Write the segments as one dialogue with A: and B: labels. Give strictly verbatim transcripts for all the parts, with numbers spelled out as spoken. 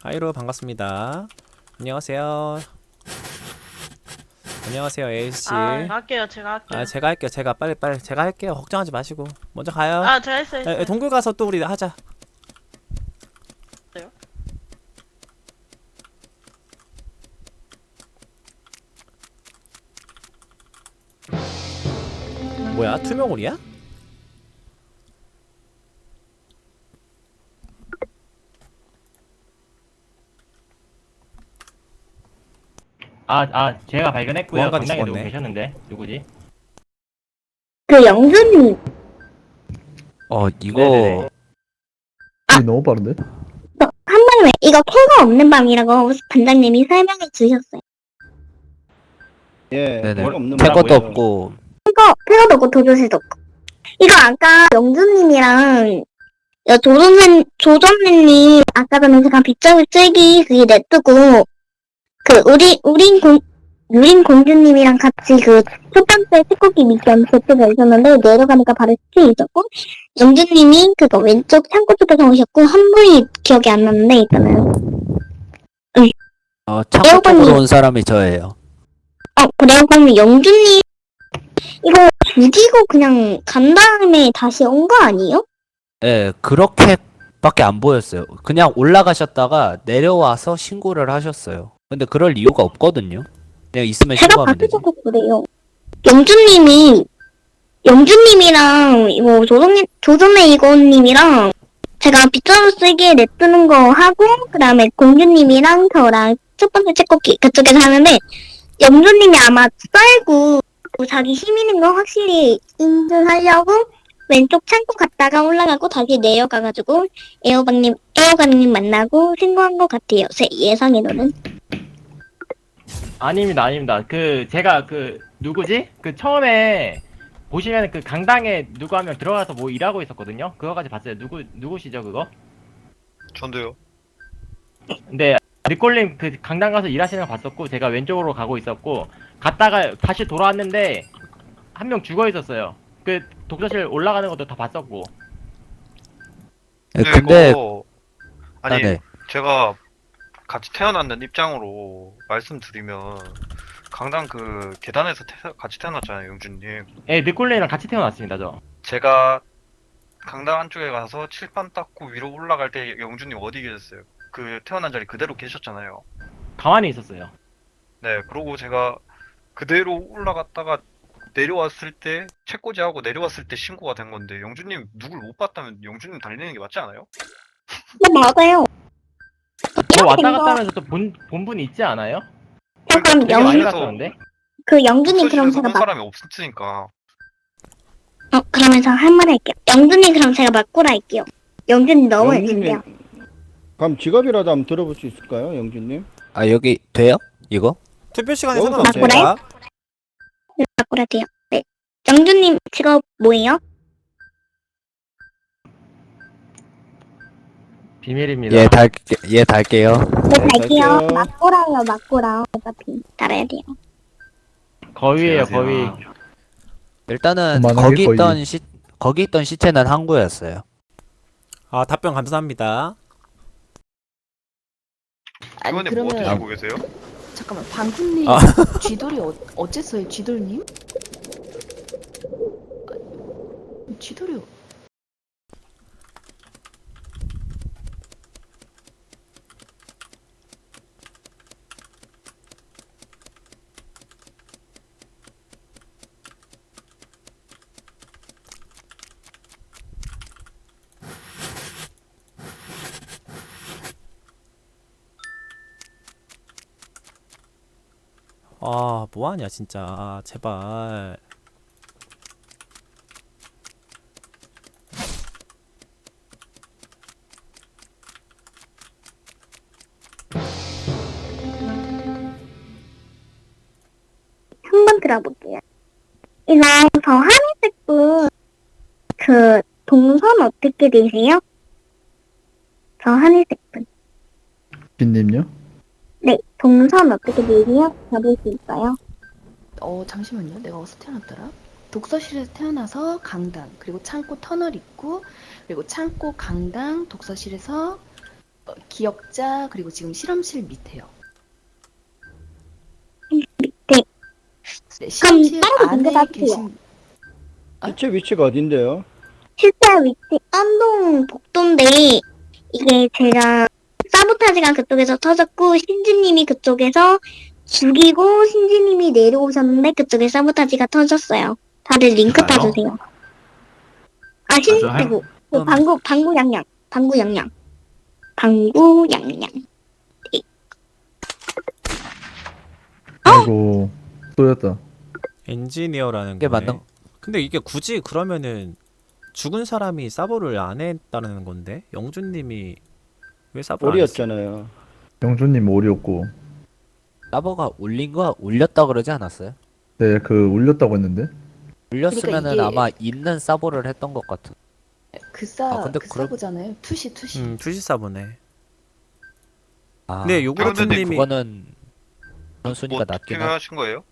A: 하이로 반갑습니다. 안녕하세요. 안녕하세요, 에이씨.
B: 아, 할게요. 제가
A: 아,
B: 할게요.
A: 제가 할게요. 제가 빨리 빨리 제가 할게요. 걱정하지 마시고 먼저 가요.
B: 아, 제가 했어요,
A: 에, 에,
B: 했어요.
A: 동굴 가서 또 우리 하자.
B: 했어요.
A: 뭐야? 투명홀이야?
C: 아, 아, 제가 발견했고요.
A: 보안관이
C: 강당에 누구
A: 죽었네.
C: 계셨는데 누구지?
D: 그 영준님
E: 어,
C: 네네네.
E: 이거
F: 이게 너무 빠른데?
D: 한 번에 이거 캐가 없는 밤이라고 반장님이 설명해 주셨어요.
G: 예,
E: 네네.
G: 별거 없는
E: 캘 것도
G: 거라고요.
E: 없고
D: 캐거 캐거도 없고 도조새도 없고 이거 아까 영준님이랑 여 조선생 조선생님 아까 전에 제가 빗장울 쐐기 그게 냅두고 그 우리 우린 공 유린 공주님이랑 같이 그 첫 번째 태국기 미션 제트가 있었는데 내려가니까 바로 스틸 있었고 영준님이 그거 왼쪽 창고 쪽에서 오셨고 한 분이 기억이 안 나는데 있잖아요.
E: 어, 창고
D: 에어컨이-
E: 쪽으로 온 사람이 저예요.
D: 어, 그래요? 그러면 영준님, 이거 죽이고 그냥 간 다음에 다시 온 거 아니에요?
E: 예, 그렇게밖에 안 보였어요. 그냥 올라가셨다가 내려와서 신고를 하셨어요. 근데 그럴 이유가 없거든요. 그냥 있으면
D: 제가
E: 신고하면 되지.
D: 봤을 때도 그래요. 영준님이, 영준님이랑, 이거 조정님, 조정의 이고님이랑 제가 빗자루 쓰기에 냅두는 거 하고, 그 다음에 공주님이랑 저랑 첫 번째 책꽂기 그쪽에서 하는데, 영준님이 아마 썰고 자기 힘 있는 거 확실히 인증하려고 왼쪽 창고 갔다가 올라가고 다시 내려가가지고 에어박님, 에어박님 만나고 신고한 것 같아요. 제 예상에는.
C: 아닙니다, 아닙니다. 그 제가 그 누구지? 그 처음에 보시면 그 강당에 누구 한 명 들어가서 뭐 일하고 있었거든요. 그거까지 봤어요. 누구 누구시죠 그거?
H: 전도요.
C: 근데 리콜님 그 강당 가서 일하시는 거 봤었고 제가 왼쪽으로 가고 있었고 갔다가 다시 돌아왔는데 한 명 죽어 있었어요. 그 독서실 올라가는 것도 다 봤었고.
E: 예, 근데
H: 이거 아니
E: 아, 네.
H: 제가 같이 태어났는 입장으로 말씀드리면 강당 그 계단에서 태, 같이 태어났잖아요, 영준님.
C: 예, 리콜님이랑 같이 태어났습니다, 저.
H: 제가 강당 안쪽에 가서 칠판 닦고 위로 올라갈 때 영준님 어디 계셨어요? 그 태어난 자리 그대로 계셨잖아요.
C: 가만히 있었어요.
H: 네, 그러고 제가 그대로 올라갔다가 내려왔을 때 책꽂이하고 내려왔을 때 신고가 된 건데 영준님 누굴 못 봤다면 영준님 달리는 게 맞지 않아요?
D: 네, 맞아요.
C: 저 왔다
D: 된 거-
C: 갔다 하면서 또 본, 본 분이 있지 않아요?
D: 잠깐
C: 되게
D: 영,
C: 많이
H: 그래서-
C: 갔었는데?
D: 그 영준님 그럼
H: 독서실에서
D: 제가
H: 본
D: 막,
H: 사람이 없으니까.
D: 어, 그러면 저 한 말 할게요. 영준님 그럼 제가 맞고라 할게요. 영준님 너무 해주세요.
G: 영준님, 그럼 직업이라도 한번 들어볼 수 있을까요, 영준님?
E: 아, 여기 돼요? 이거?
A: 투표 시간에
G: 여기서
A: 상관없습니다.
D: 맞고라 돼요. 네. 영준님 직업 뭐예요?
C: 비밀입니다.
E: 예, 달, 예, 달게요.
D: 네,
G: 네,
D: 갈게요.
G: 갈게요.
D: 맞고라요, 맞고라. 어차피 따라야 돼요.
C: 거위예요, 거위.
E: 일단은
F: 그만하게
E: 거기
F: 거의.
E: 있던 시 거기 있던 시체는 항구였어요.
A: 아, 답변 감사합니다.
I: 아니
H: 이번에 뭐
I: 그러면
H: 드시고 계세요?
I: 잠깐만 방훈님
A: 아.
I: 쥐돌이 어, 어째서요 쥐돌님? 아, 쥐돌이 어-
A: 아, 뭐하냐 진짜. 아, 제발.
D: 한 번 들어볼게요. 이거 저 하늘색 분, 그, 동선 어떻게 되세요? 저 하늘색 분.
F: 빈님요?
D: 네, 동선 어떻게 되세요? 잡을 수 있어요?
I: 어 잠시만요 내가 어디서 태어났더라? 독서실에서 태어나서 강당 그리고 창고 터널 입구 그리고 창고 강당 독서실에서 어, 기억자 그리고 지금 실험실 밑에요.
D: 밑에.
I: 네, 실험실
D: 따로
I: 안에
D: 공개받으세요.
I: 계신
G: 시체 위치가 어딘데요?
D: 실제 위치 안동 복도인데 이게 제가 사보타지가 그쪽에서 터졌고 신지님이 그쪽에서 죽이고 신지님이 내려오셨는데 그쪽에 사보타지가 터졌어요. 다들 링크
B: 제가요?
D: 따주세요. 아 신지
B: 할-
D: 고 그
A: 음.
D: 방구 방구 양양 방구 양양 방구 양양.
F: 아이고 쏘였다.
A: 엔지니어라는
E: 이게
A: 거네.
E: 맞는-
A: 근데 이게 굳이 그러면은 죽은 사람이 사보를 안 했다는 건데 영준님이 왜 사보를 안 했어?
G: 오리였잖아요.
F: 영준님 오리였고.
E: 서버가 올린 거 올렸다 그러지 않았어요?
F: 네, 그 올렸다고 했는데.
E: 올렸으면은
I: 이게-
E: 아마 있는 서버를 했던 것 같은.
I: 그사
E: 아, 근데
I: 그
E: 그럼-
I: 사보잖아요. 투시 투시.
A: 음, 투시 사보네.
E: 아,
A: 근데 요거
E: 아, 근데
A: 님이-
E: 그거는 그런 순위가
H: 뭐
E: 낮긴 하.
H: 투표하신 거예요?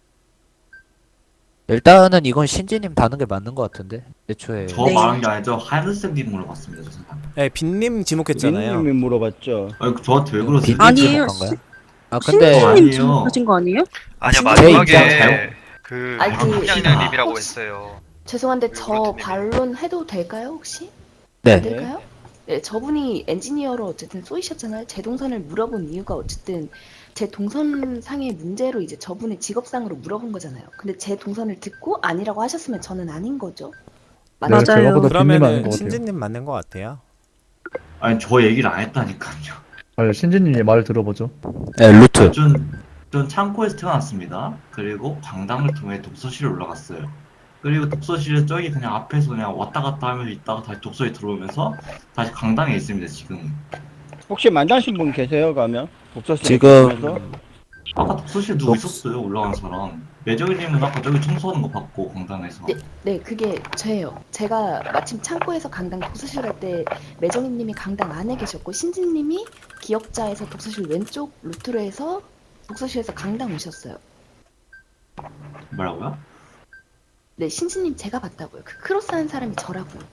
E: 일단은 이건 신지님 다는 게 맞는 것 같은데. 애초에
B: 저
I: 네.
B: 말한 게 아니죠. 하늘색님 물어봤습니다. 저 사람.
A: 네, 빈님 지목했잖아요.
G: 린님이 물어봤죠.
B: 아, 저한테 왜 그러세요?
E: 빈님
J: 아니에요.
E: 지목한 거야? 아 근데
B: 저
J: 신지님
B: 아니에요.
J: 지목하신 거 아니에요?
H: 아니야
E: 제
H: 마지막에
B: 입장
H: 그
I: 아니, 그-
H: 황양양님이라고
I: 혹시-
H: 했어요.
I: 죄송한데
H: 그
I: 저
H: 루트님이.
I: 반론 해도 될까요 혹시?
E: 네.
I: 안 될까요? 네, 저분이 엔지니어로 어쨌든 쏘이셨잖아요. 제 동선을 물어본 이유가 어쨌든 제 동선상의 문제로 이제 저분의 직업상으로 물어본 거잖아요. 근데 제 동선을 듣고 아니라고 하셨으면 저는 아닌 거죠.
F: 네,
I: 맞죠?
J: 맞아요.
F: 제가 보다 빈님 아닌
A: 그러면은
F: 것 같아요.
A: 신지님 맞는 것 같아요.
B: 아니 저 얘기를 안 했다니까요.
F: 아니, 신지님 말 들어보죠.
E: 네, 루트.
B: 전, 전 창고에서 태어났습니다. 그리고 강당을 통해 독서실에 올라갔어요. 그리고 독서실에 저기 그냥 앞에서 그냥 왔다 갔다 하면서 있다가 다시 독서에 들어오면서 다시 강당에 있습니다 지금.
G: 혹시 만나신 분 계세요? 가면 독서실에
E: 지금
G: 계시면서?
B: 아까 독서실에 누구
E: 독-
B: 있었어요 올라간 사람. 매저기님은 아까 저기 청소하는 거 봤고 강당에서.
I: 네, 네, 그게 저예요. 제가 마침 창고에서 강당 독서실 갈 때 매정희님이 강당 안에 계셨고 신진님이 기억자에서 독서실 왼쪽 루트로 해서 독서실에서 강당 오셨어요.
B: 뭐라고요?
I: 네, 신진님 제가 봤다고요. 그 크로스한 사람이 저라고요.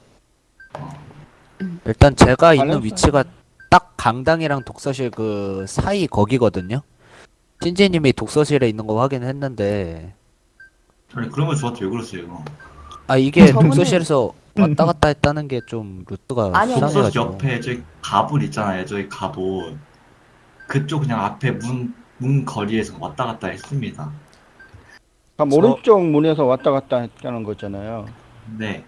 E: 일단 제가 있는
G: 관련성.
E: 위치가 딱 강당이랑 독서실 그 사이 거기거든요. 신지님이 독서실에 있는 거 확인했는데
B: 아니 그러면 저한테 왜 그러세요?
E: 아 이게
I: 저분은-
E: 독서실에서 왔다 갔다 했다는 게 좀 루트가
I: 아니요,
B: 독서실
E: 이상해가지고.
B: 옆에 저기 가불 있잖아요. 저기 가불. 그쪽 그냥 앞에 문, 문 거리에서 왔다 갔다 했습니다.
G: 그럼
A: 저-
G: 오른쪽 문에서 왔다 갔다 했다는 거잖아요.
B: 네.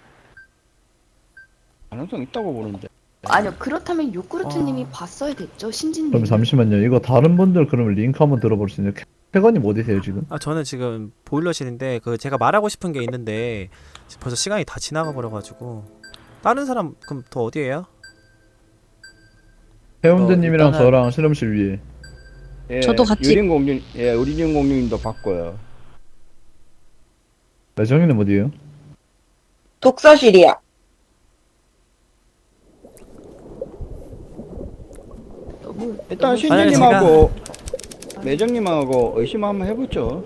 G: 가능성 있다고 보는데.
I: 아니요, 그렇다면 요구르트님이
A: 어.
I: 봤어야 됐죠, 신진님.
F: 그럼 잠시만요. 이거 다른 분들 그러면 링크 한번 들어볼 수 있나요? 태건님 어디세요 지금?
A: 아 저는 지금 보일러실인데 그 제가 말하고 싶은 게 있는데 벌써 시간이 다 지나가 버려가지고 다른 사람 그럼 더 어디에요?
F: 해운대님이랑
E: 어, 일단은-
F: 저랑 실험실 위에.
G: 예,
J: 저도 같이-
G: 유린공룡, 예, 우리린공룡님도 바꿔요.
F: 매정이는 어디에요?
J: 독서실이야.
I: 너무
G: 일단
I: 너무
G: 신지님하고 매정님하고 의심 한번 해보죠.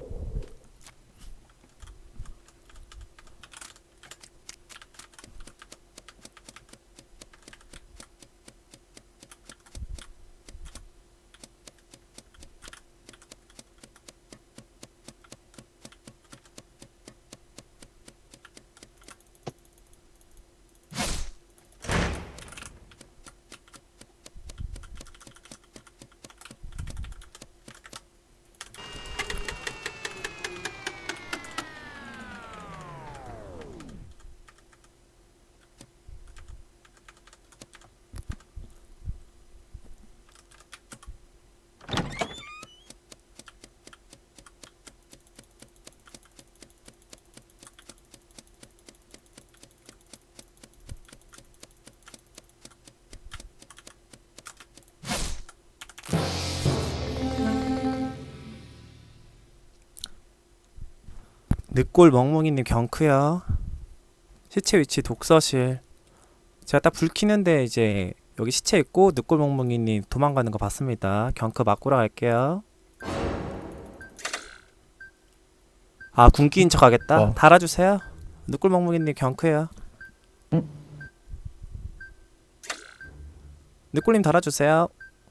A: 늑골 멍멍이님 경크요. 시체 위치 독서실. 제가 딱 불 켜는데 이제 여기 시체 있고 늑골 멍멍이님 도망가는 거 봤습니다. 경크 맞고라 갈게요. 아 군기인 척 하겠다.
F: 어.
A: 달아주세요. 늑골 멍멍이님 경크요. 늑골님 달아주세요.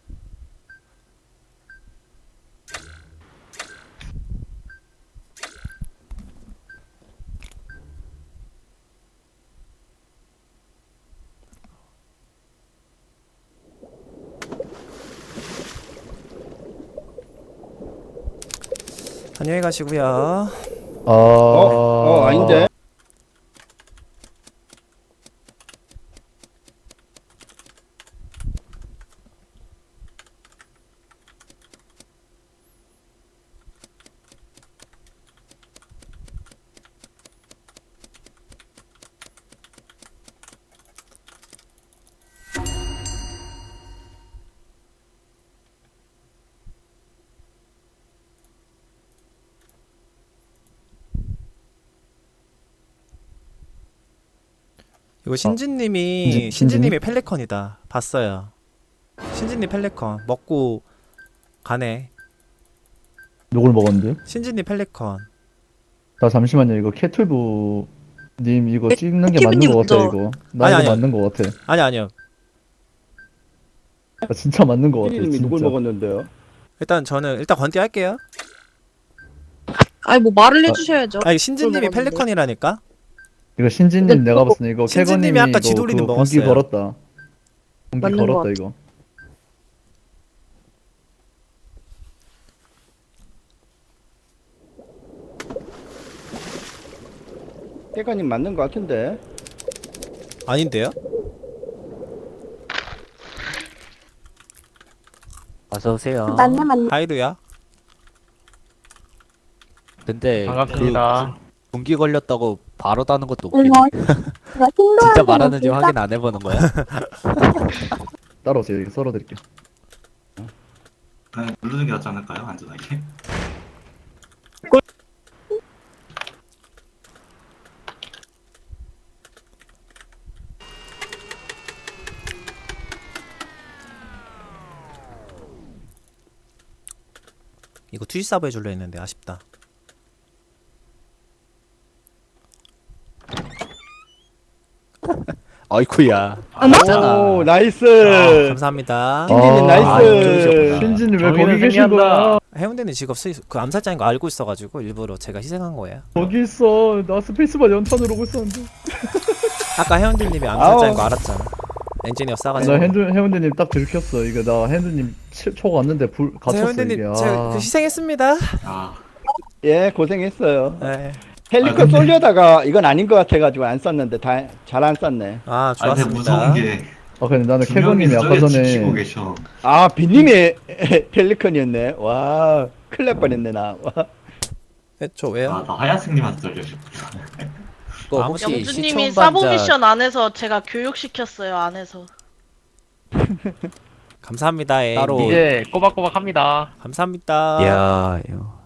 A: 안녕히 가시고요.
F: 아,
G: 어, 어, 아닌데.
A: 이거 신진님이
F: 신진- 신진님?
A: 신진님이 펠리컨이다. 봤어요. 신진님 펠리컨 먹고 가네.
F: 누굴 먹었는데?
A: 신진님 펠리컨.
F: 나 잠시만요. 이거 캐툴부 님 이거 찍는 게 맞는
J: 캐툴부님
F: 거 같아
J: 먼저.
F: 이거. 나
A: 아니,
F: 이거
A: 아니요.
F: 맞는 거 같아.
A: 아니 아니요.
F: 나 진짜 맞는 거 같아.
G: 님이 누굴
F: 진짜.
G: 먹었는데요?
A: 일단 저는 일단 건띠 할게요.
J: 아니 뭐 말을 해주셔야죠.
A: 아니 신진님이
J: 먹었는데.
A: 펠리컨이라니까.
F: 이거 신진님 내가 봤을 때 이거
A: 신진님이
F: 캐건님이
A: 아까
F: 이거
A: 지돌이는
F: 그거 공기
A: 먹었어요.
F: 걸었다. 공기
J: 맞는 거
F: 걸었다
J: 같아.
F: 이거.
G: 캐건님 맞는 거 같은데.
A: 아닌데요?
E: 어서 오세요.
D: 맞네 맞네.
A: 하이루야.
E: 근데
C: 반갑습니다.
E: 그 공기 걸렸다고 바로 다는 것도
D: 이거
E: 웃기네.
D: 이거 신도한테
E: 진짜 말하는지
D: 진짜
E: 확인 안 해보는 거야?
F: 따라오세요. 이거 썰어드릴게요.
B: 그냥 누르는 게 낫지 않을까요? 안전하게.
A: 이거 투시 서브 해줄려 했는데 아쉽다.
E: 어이쿠야.
G: 오,
E: 맞잖아.
G: 나이스.
A: 아, 감사합니다.
G: 신진님
F: 아,
G: 나이스.
E: 아, 이쪽이셨구나.
F: 신진님 왜
C: 정의는
F: 거기 계신
C: 승리한다.
F: 거야?
A: 해운대는 직업 수, 그 암살자인 거 알고 있어가지고 일부러 제가 희생한 거예요.
F: 거기 있어. 나 스페이스바 연탄으로 오고 있었는데.
A: 아까 해운대님이 암살자인
G: 아우.
A: 거 알았잖아. 엔지니어
F: 나
A: 싸가지고.
F: 핸드 해운대님 딱 들켰어. 이거 나 해운대님 치- 초 갔는데 불 갇혔어
A: 해운대님
F: 이게.
A: 제가
F: 아.
A: 그 희생했습니다.
B: 아,
G: 예, 고생했어요.
A: 네.
B: 아,
G: 헬리콥
B: 근데-
G: 쏠려다가 이건 아닌 것 같아가지고 안 썼는데 다 잘 안 썼네.
A: 아
B: 아 근데
A: 좋았습니다.
B: 무서운 게
F: 아 근데 나는
B: 두 명이
F: 캐건님이 아까
B: 저기 지키고
F: 전에
B: 계셔.
G: 아, 빈님이 펠리컨이었네. 와, 큰일 날 뻔했네 나. 와.
A: 네, 저 왜요?
B: 아, 나 하얀색님한테 떨려서.
E: 그거
A: 아,
E: 혹시
J: 영주님이
E: 시청
J: 사보
E: 반자
J: 미션 안에서 제가 교육시켰어요 안에서.
A: 감사합니다. 에
E: 따로-
C: 이제 꼬박꼬박 합니다.
A: 감사합니다.
E: 야, 이거